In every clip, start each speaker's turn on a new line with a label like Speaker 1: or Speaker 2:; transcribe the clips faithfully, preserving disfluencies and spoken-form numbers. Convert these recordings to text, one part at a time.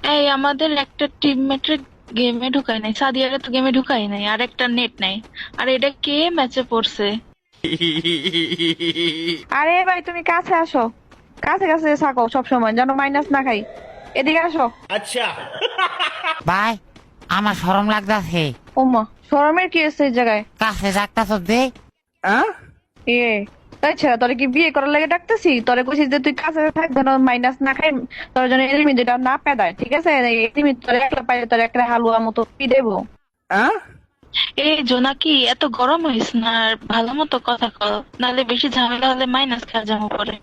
Speaker 1: এই আমাদের একটা টিমমেটের গেমে ঢুকাই নাই, সাদিয়ারে তো গেমে ঢুকাই নাই, আর একটা নেট নাই। আর এটা কে ম্যাচে পড়ছে?
Speaker 2: আরে ভাই তুমি কাছে আসো, কাছে কাছে থাকো সব সময় যেন মাইনাস না খাই। এদিকে আসো।
Speaker 3: अच्छा।
Speaker 4: ভাই আমার শরম লাগতাছে।
Speaker 2: ওমা, শরমের কি আছে এই জায়গায়?
Speaker 4: কাছে ডাক্তার দে।
Speaker 2: ইয়ে, তাই ছেড়া তোরে কি বিয়ে করার লাগে ডাকতেছি? তোরে কইছিস যে তুই কাছে থাক যেন মাইনাস না খাই, তোর জন্য এলিমি যেটা না পেদায়, ঠিক আছে? এলিমি তোরে একলা পাইলে তোর একটা হালুয়া মতো পি দেবো।
Speaker 1: এই জোনাকি, এত গরম হইস না, আর ভালো মতো কথা কর, নাহলে বেশি ঝামেলা হলে মাইনাস খাওয়া যাবো পরে।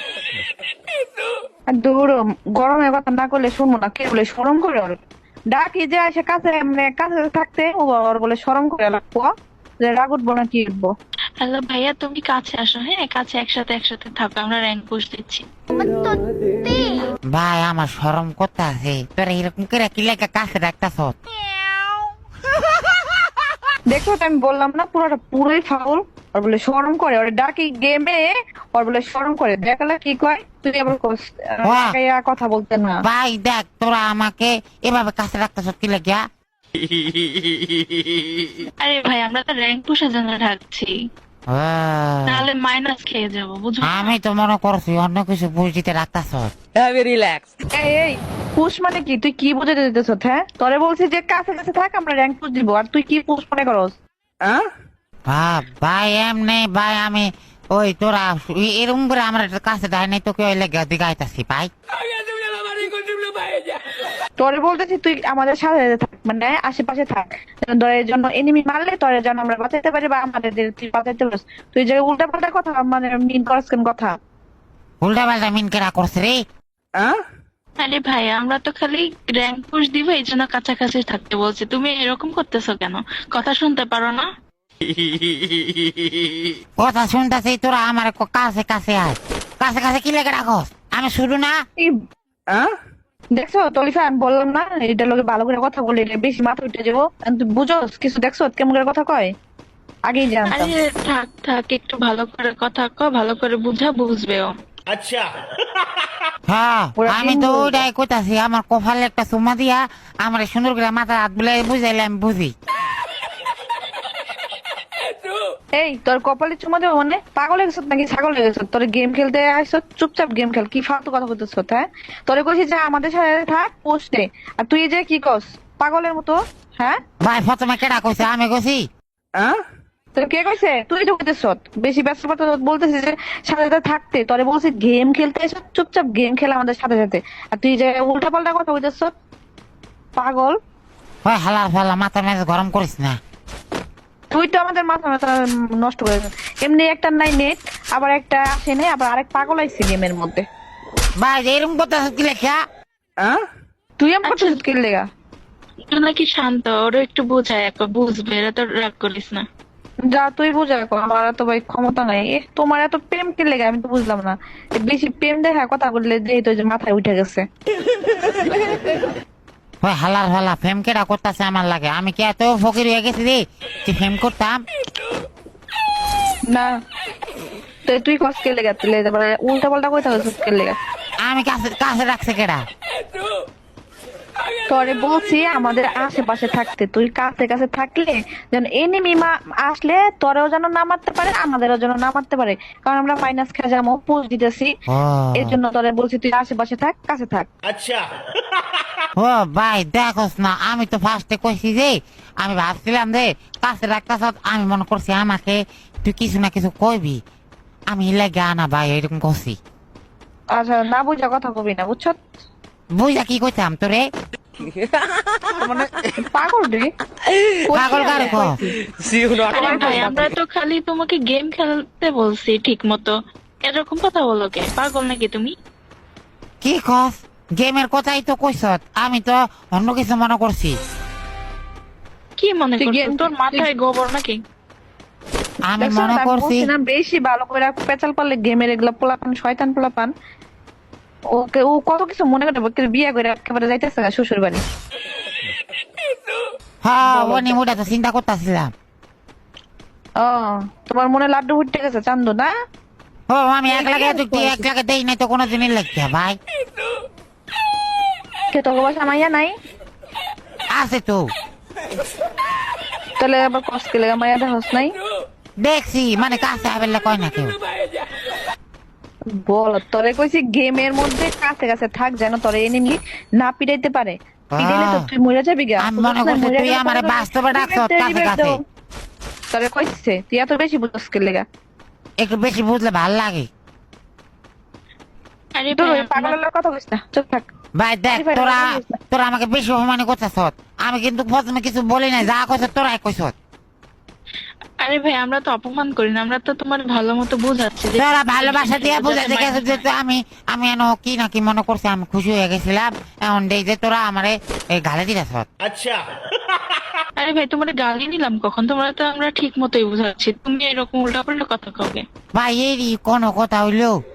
Speaker 2: আর দূর, গরমের কথা না করলে শুনবো না, কে বলে শরম করে ওর? ডাকি যে আসে কাছে, মানে কাছে থাকতে ও ওর বলে শরম করে লাগবো, যে রাগ উঠবো না কি উঠবো?
Speaker 1: হ্যালো ভাইয়া, তুমি কাছে আসো, হ্যাঁ কাছে একসাথে একসাথে থাকো, আমরা র্যাঙ্ক পুশ দিচ্ছি।
Speaker 4: ভাই আমার শরম করতেছে, তোরা এরকম করে কি লেগে কাছে ডাক্তার।
Speaker 2: দেখো তো আমি বললাম না, পুরোটা পুরোই ফাউল। ওর বলে শরম করে, ওর ডাকি গেমে, ওর বলে শরম করে। দেখালে কি কয়, তুই আবার কস, আহ,
Speaker 4: বাহ।
Speaker 2: লাগাইয়া কথা বলতে না।
Speaker 4: ভাই দেখ তোরা আমাকে এভাবে কাছে ডাক্তার কি লেগে।
Speaker 1: আরে ভাই, আমরা তো র্যাঙ্ক পুশের জন্য ঢাকছি, তাহলে মাইনাস খেয়ে যাবো, বুঝো?
Speaker 4: আমি তো মনে করছি অন্য কিছু বুঝিতে ডাক্তার।
Speaker 2: এই এই পুষ মানে কি? তুই কি বুঝাতে দিতেছ? হ্যাঁ, তোরে বলছি যে কাছে কাছে থাক, আমরা র্যাঙ্ক পুশ দিব, আর তুই কি পুষ মনে করস?
Speaker 4: ভাই এমনি ভাই আমি ওই তোরা এ- এরকম করে আমার কাছে দেয় নাই তোকে ওই লেগে দিগাইতাছি ভাই।
Speaker 2: তোরে বলতেছি তুই আমাদের সাথে সাথে থাক, মানে আশেপাশে থাক, যেন তোর জন্য এনিমি মারলে তোরে যেন আমরা বাঁচাইতে পারি, বা আমাদের তুই বাঁচাইতে পারিস। তুই যে উল্টা পাল্টা কথা, মানে মিন করস কেন কথা?
Speaker 4: উল্টা পাল্টা মিন কেরা করছে রে।
Speaker 1: আরে ভাই, আমরা তো খালি র্যাঙ্ক পুশ দিব, এই জন্য কাছাকাছি থাকতে বলছি। তুমি এরকম করতেছো কেন? কথা শুনতে পারো না?
Speaker 4: কথা শুনতেছি তোরা আমার ক- কাছে কাছে আয়, কাছে কাছে কি লেগে রাখস? আমি শুরু না।
Speaker 2: এই দেখছো তলিফা, আমি বললাম না এটা লোকে ভালো করে কথা বলে বেশি মাথা উঠে যাবো। আর তুই বুঝোস কিছু? দেখছো কেমন করে কথা কয়? আগেই জানতাম।
Speaker 1: আরে থাক থাক, একটু ভালো করে কথা কও, ভালো করে বুঝা বুঝবেও।
Speaker 3: अच्छा।
Speaker 4: হ্যাঁ
Speaker 2: ওরা
Speaker 4: আমি
Speaker 2: তিন
Speaker 4: তো
Speaker 2: বলবো।
Speaker 4: ওইটাই কইতাছি, আমার কপালে একটা চুমা দিয়া আমার সুন্দর করে মাথা হাত বুলাই বুঝাইলে আমি বুঝি।
Speaker 2: এই তোর কপালে চুমা দেবো মানে? পাগল হয়ে গেছত নাকি ছাগল হয়ে গেছত? তোর গেম খেলতে আসছ, চুপচাপ গেম খেল। কি ফালতু কথা বলতেছ? হ্যাঁ, তোরে কইছি যে আমাদের সাথে থাক পোস্টে, আর তুই যে কি কস পাগলের মতো? হ্যাঁ,
Speaker 4: ভাই প্রথমে কেডা কইছে? আমি কইছি?
Speaker 2: তোর কে কইছে? তুই তো কইতেছ বেশি ব্যস্ত কথা বলতেছিস যে সাথে সাথে থাকতে। তোরে বলছি গেম খেলতে এসো, চুপচাপ গেম খেলা আমাদের সাথে সাথে, আর তুই যে উল্টা পাল্টা কথা বলতেছ পাগল।
Speaker 4: ওই হালার ফালা মাথা মেজাজ গরম করিস না।
Speaker 2: তুই তো আমাদের মাথা মাথা নষ্ট করে দিস। এমনি একটা নাই নেট, আবার একটা আসে নেই, আবার আরেক পাগল আইছে গেমের মধ্যে।
Speaker 4: ভাই এরকম করতেছ কি লেখা?
Speaker 2: তুই এমন করছিস কি লেগা?
Speaker 1: একটু নাকি শান্ত, ওরা একটু বোঝায়, একবার বুঝবে, এরা তো রাগ করিস না।
Speaker 2: যা তুই বুঝা কর, আমার এত ভাই ক্ষমতা নাই। এ, তোমার এত প্রেম কি লেগে? আমি তো বুঝলাম না। এ, বেশি প্রেম দেখা কথা বললে যেহেতু যে মাথায় উঠে গেছে।
Speaker 4: ওই হালার ফালা ফেম কেডা করতেছে আমার লাগে? আমি কি এত ফকির হয়ে গেছি রে যে ফেম করতাম?
Speaker 2: না, তো তুই কস কে লেগা? তুই উল্টা পাল্টা কই থাকছিস কে লেগা?
Speaker 4: আমি কাছে কাছে রাখছে কেডা?
Speaker 2: তোরে বলছি আমাদের আশেপাশে থাকতে, তুই কাছে কাছে থাকলে যেন এনিমি আসলে তোরেও যেন না মারতে পারে, আমাদেরও যেন না মারতে পারে, কারণ আমরা মাইনাস খেয়ে যাবো, পোস্ট দিতেছি।
Speaker 4: ও
Speaker 2: এর জন্য তোরে বলছি তুই আশেপাশে থাক, কাছে থাক।
Speaker 3: अच्छा।
Speaker 4: ও ভাই দেখোস না, আমি তো ফার্স্টে কইছি যে আমি ভাবছিলাম যে কাছে রাখতাছ, আমি মনে করছি আমাকে তুই কিছু না কিছু কইবি, আমি লেগে আনা ভাই এরকম করছি।
Speaker 2: আচ্ছা, না বুঝা কথা কবি না, বুঝছ?
Speaker 4: বুঝা কি কইতাম তোরে?
Speaker 2: মানে পাগল রে।
Speaker 4: পাগল কারে কো?
Speaker 1: আরে ভাই, আমরা তো খালি তোমাকে গেম খেলতে বলছি ঠিক মতো, এরকম কথা বলো কে? পাগল নাকি তুমি?
Speaker 4: কি কস? গেমের কথাই তো কইছ, আমি তো অন্য কিছু মনে করছি।
Speaker 1: কি মনে
Speaker 2: তুই
Speaker 1: করছো?
Speaker 2: game-
Speaker 1: তোর মাথায় গোবর নাকি?
Speaker 4: আমি
Speaker 2: দেখছো
Speaker 4: মনে
Speaker 2: না, আমি
Speaker 4: করছি
Speaker 2: বলছি না, বেশি ভালো করে পেঁচাল পারলে গেমের এগুলা পোলাপান, শয়তান পোলাপান। ওকে ও কত কিছু মনে করে ওকে বিয়ে করে একেবারে যাইতেছে না শ্বশুর বাড়ি।
Speaker 4: হ্যাঁ ওনি মুডা তো চিন্তা করতেছিলাম।
Speaker 2: ও, তোমার মনে লাড্ডু ফুটে গেছে চান্দু না?
Speaker 4: ও আমি এক লাখে তুই এক লাখে দেই নাই তো কোনো দিনই লাগছে ভাই।
Speaker 2: কে তোর বাসা মাইয়া নাই?
Speaker 4: আছে তো,
Speaker 2: তাহলে আবার কষ্ট কে লেগে মাইয়া দেখাস নাই?
Speaker 4: দেখছি মানে কাছে আবেলে কয় না কেউ।
Speaker 2: বল, তোরে কইছি গেমের মধ্যে কাছে কাছে থাক যেন তোরে এনিমি না পিটাইতে পারে। পিটাইলে তো তুই মরে যাবি গা।
Speaker 4: আমি মনে করছি তুই আমারে বাস্তবে ডাকছ কাছে কাছে।
Speaker 2: তোরে কইছে তুই এত বেশি বুঝছ কে লেগা?
Speaker 4: একটু বেশি বুঝলে ভাল লাগে।
Speaker 1: আরে
Speaker 2: তোর
Speaker 1: ভাই
Speaker 2: ওই পাগলের লগে কথা কইছ না, চুপ থাক।
Speaker 4: ভাই দেখ
Speaker 2: আরে ভাই,
Speaker 4: তোরা
Speaker 2: রাগ করিস না।
Speaker 4: তোরা আমাকে বেশি অপমান করতেছ। আমি কিন্তু প্রথমে কিছু বলি নাই, যা কইছ তোরাই কইছ।
Speaker 1: আরে ভাই আমরা তো অপমান করি না, আমরা তো তোমার ভালো মতো বুঝাচ্ছি যে
Speaker 4: তোরা ভালোবাসা দিয়ে
Speaker 1: যাতে
Speaker 4: বুঝাতে গেছে
Speaker 1: মাইন্ড
Speaker 4: যে তো আমি আমি এনো কি না কি মনে করছি, আমি খুশি হয়ে গেছিলাম। এখন দেখ যে তোরা আমারে এই গালে দিতেছ।
Speaker 1: আরে ভাই তোমার গালি নিলাম কখন? তোমরা তো আমরা ঠিক মতোই বুঝাচ্ছি, তুমি এরকম উল্টা পাল্টা কথা কবে?
Speaker 4: ভাই এরই কোনো কথা হইলো